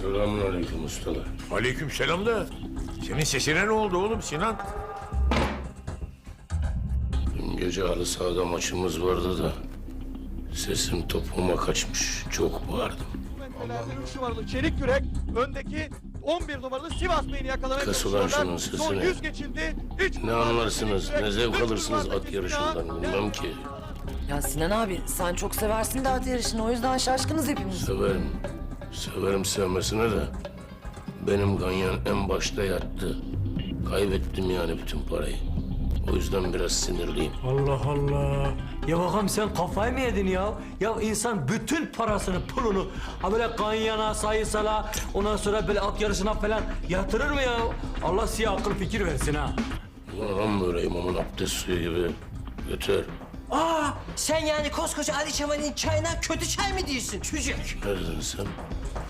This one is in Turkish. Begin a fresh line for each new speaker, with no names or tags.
Selamünaleyküm ustalar.
Aleykümselam da. Senin sesine ne oldu oğlum Sinan?
Dün gece halı sahada maçımız vardı da sesim topuğuma kaçmış. Çok bağırdım.
Metrelerde 3 numaralı Çelik Yürek, öndeki 11 numaralı Sivas Bey'ini yakalamaya
Kes ulan
çalışıyorlar.
şunun
Son
sesini.
100 geçildi.
Ne anlarsınız, ne zevk alırsınız at yarışından bilmem ki.
Ya Sinan abi sen çok seversin de at yarışını, o yüzden şaşkınız hepimiz.
Severim. Severim sevmesine de. Benim ganyan en başta yattı. Kaybettim yani bütün parayı. O yüzden biraz sinirliyim.
Allah Allah. Ya bakalım sen kafayı mı yedin ya? Ya insan bütün parasını, pulunu ha böyle ganyana, sayısala, ondan sonra böyle at yarışına falan yatırır mı ya? Allah size akıl fikir versin ha.
Ulan böyle imamın abdest suyu gibi. Götür.
Aa, sen yani koskoca Ali Çamal'in çayına kötü çay mı diyorsun çocuk?
Ne dedin sen?